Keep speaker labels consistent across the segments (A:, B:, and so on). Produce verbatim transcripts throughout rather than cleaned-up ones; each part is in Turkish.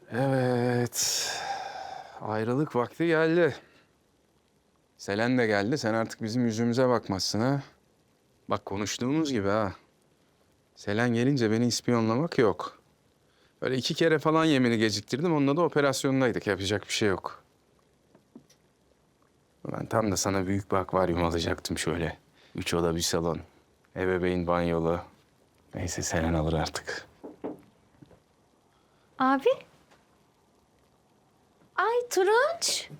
A: Evet. Ayrılık vakti geldi. Selen de geldi. Sen artık bizim yüzümüze bakmazsın ha. Bak konuştuğumuz gibi ha. Selen gelince beni ispiyonlamak yok. Böyle iki kere falan yemini geciktirdim. Onunla da operasyondaydık. Yapacak bir şey yok. Ben tam da sana büyük bir akvaryum alacaktım şöyle. Üç oda bir salon. Ebeveyn banyolu. Neyse Selen alır artık.
B: Abi. Ay Turunç.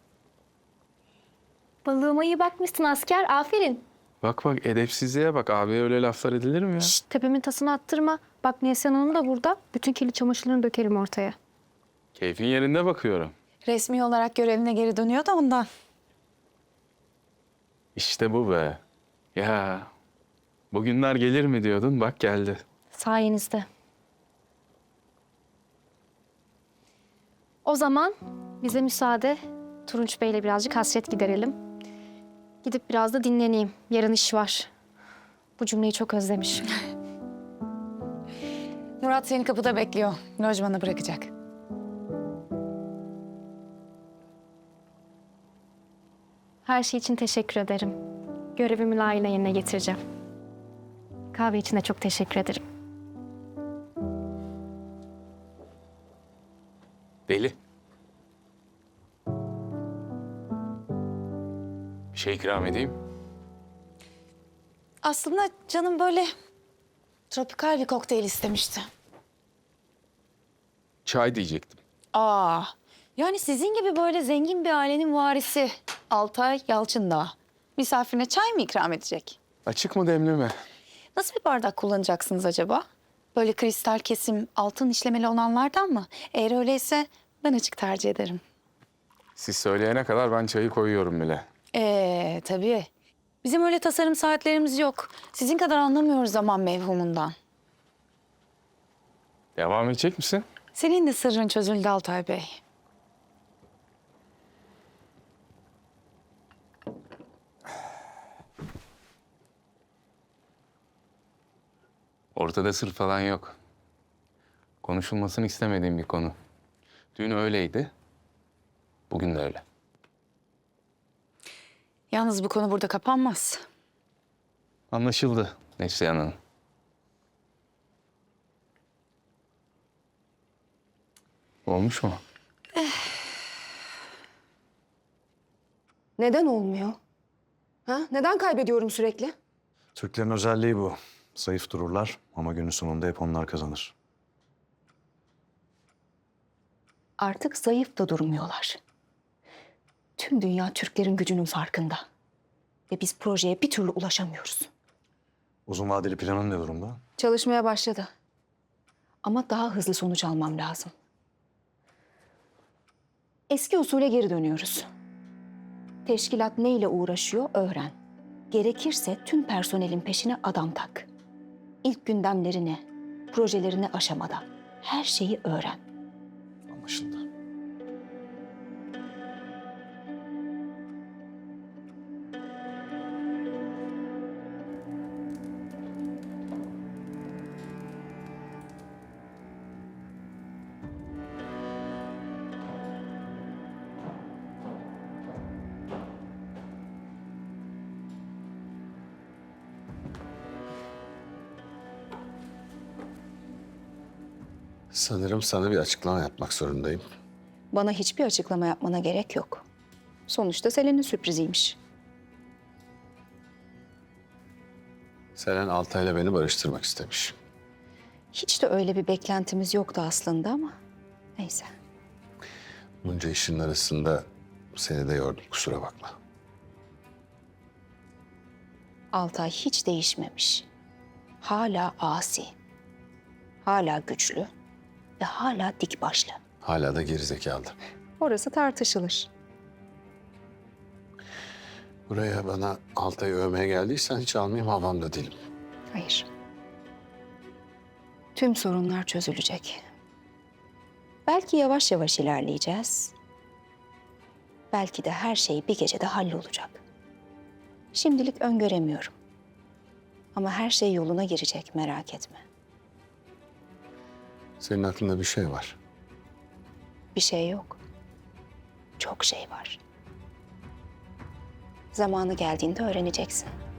B: Balığıma iyi bakmışsın asker. Aferin.
A: Bak bak edepsizliğe bak. Abi öyle laflar edilir mi ya?
B: Şşt, tepemin tasını attırma. Bak Neslihan Hanım da burada. Bütün kirli çamaşırlarını dökerim ortaya.
A: Keyfin yerinde bakıyorum.
C: Resmi olarak görevine geri dönüyor da ondan.
A: İşte bu be. Ya bugünler gelir mi diyordun, bak geldi.
B: Sayenizde. O zaman bize müsaade. Turunç Bey'le birazcık hasret giderelim. Gidip biraz da dinleneyim. Yarın iş var. Bu cümleyi çok özlemişim.
C: Murat seni kapıda bekliyor. Lojmana bırakacak.
B: Her şey için teşekkür ederim. Görevimi layığıyla yerine getireceğim. Kahve için de çok teşekkür ederim.
A: Deli. Bir şey ikram edeyim.
C: Aslında canım böyle tropikal bir kokteyl istemişti.
A: Çay diyecektim.
C: Aa, yani sizin gibi böyle zengin bir ailenin varisi Altay Yalçındağ misafirine çay mı ikram edecek?
A: Açık mı demli mi?
C: Nasıl bir bardak kullanacaksınız acaba? Böyle kristal kesim, altın işlemeli olanlardan mı? Eğer öyleyse ben açık tercih ederim.
A: Siz söyleyene kadar ben çayı koyuyorum bile.
C: Ee, tabii. Bizim öyle tasarım saatlerimiz yok. Sizin kadar anlamıyoruz zaman mevhumundan.
A: Devam edecek misin?
C: Senin de sırrın çözüldü Altay Bey.
A: Ortada sır falan yok. Konuşulmasını istemediğim bir konu. Dün öyleydi. Bugün de öyle.
C: Yalnız bu konu burada kapanmaz.
A: Anlaşıldı Neslihan Hanım. Olmuş mu?
D: Neden olmuyor? Ha? Neden kaybediyorum sürekli?
E: Türklerin özelliği bu. Zayıf dururlar ama günün sonunda hep onlar kazanır.
D: Artık zayıf da durmuyorlar. Tüm dünya Türklerin gücünün farkında. Ve biz projeye bir türlü ulaşamıyoruz.
E: Uzun vadeli planın ne durumda?
D: Çalışmaya başladı. Ama daha hızlı sonuç almam lazım. Eski usule geri dönüyoruz. Teşkilat neyle uğraşıyor öğren. Gerekirse tüm personelin peşine adam tak. İlk gündemlerini, projelerini aşamada her şeyi öğren.
E: Anlaşıldı.
F: Sanırım sana bir açıklama yapmak zorundayım.
D: Bana hiçbir açıklama yapmana gerek yok. Sonuçta Selen'in sürpriziymiş.
F: Selen Altay'la beni barıştırmak istemiş.
D: Hiç de öyle bir beklentimiz yoktu aslında ama neyse.
F: Bunca işin arasında seni de yordum, kusura bakma.
D: Altay hiç değişmemiş. Hala asi. Hala güçlü ve hala dik başlı.
F: Hala da gerizekalı.
D: Orası tartışılır.
F: Buraya bana Altay'ı övmeye geldiysen hiç almayayım, havamda değilim.
D: Hayır. Tüm sorunlar çözülecek. Belki yavaş yavaş ilerleyeceğiz. Belki de her şey bir gecede hallolacak. Şimdilik öngöremiyorum. Ama her şey yoluna girecek, merak etme.
F: Senin aklında bir şey var.
D: bir şey yok. Çok şey var. Zamanı geldiğinde öğreneceksin.